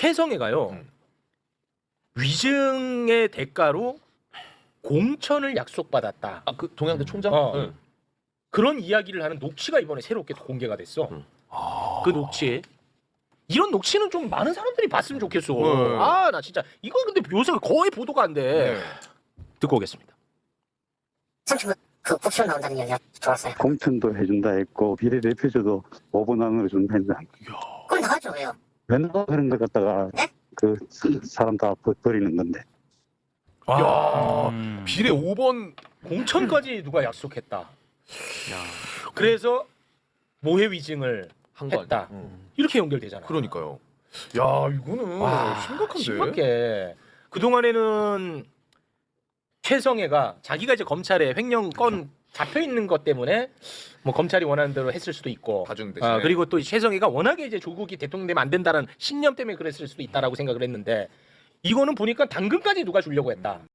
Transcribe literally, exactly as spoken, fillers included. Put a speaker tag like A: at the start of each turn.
A: 최성애가요
B: 음.
A: 위증의 대가로 공천을 약속받았다.
B: 아, 그 동양대 총장?
A: 어.
B: 응.
A: 그런 이야기를 하는 녹취가 이번에 새롭게 공개가 됐어.
B: 음.
A: 그 녹취. 이런 녹취는 좀 많은 사람들이 봤으면 좋겠어.
B: 네.
A: 아, 나 진짜 이건 근데 요새 거의 보도가 안 돼.
B: 네.
A: 듣고 오겠습니다.
C: 삼촌 그 옵션 나온다는 얘기가 좋았어요.
D: 공천도 해준다 했고 비례대표제도 오 번 안으로 준다 했는데
C: 그럼 나가죠 왜요?
D: 왜 나가 그런 걸 갖다가
C: 네?
D: 그 사람 다 버- 버리는 건데
B: 야,
A: 음.
B: 비례 오 번
A: 공천까지 누가 약속했다. 그래서 모해 위증을
B: 한 거
A: 했다.
B: 아니야? 응.
A: 이렇게 연결되잖아.
B: 그러니까요. 야, 이거는
A: 와,
B: 심각한데.
A: 심각해. 그 동안에는 최성애가 자기가 이제 검찰에 횡령 건 잡혀 있는 것 때문에 뭐 검찰이 원하는 대로 했을 수도 있고,
B: 봐주는 대신에.
A: 아, 그리고 또 최성애가 워낙에 이제 조국이 대통령 되면 안 된다는 신념 때문에 그랬을 수도 있다라고 생각을 했는데 이거는 보니까 당근까지 누가 주려고 했다.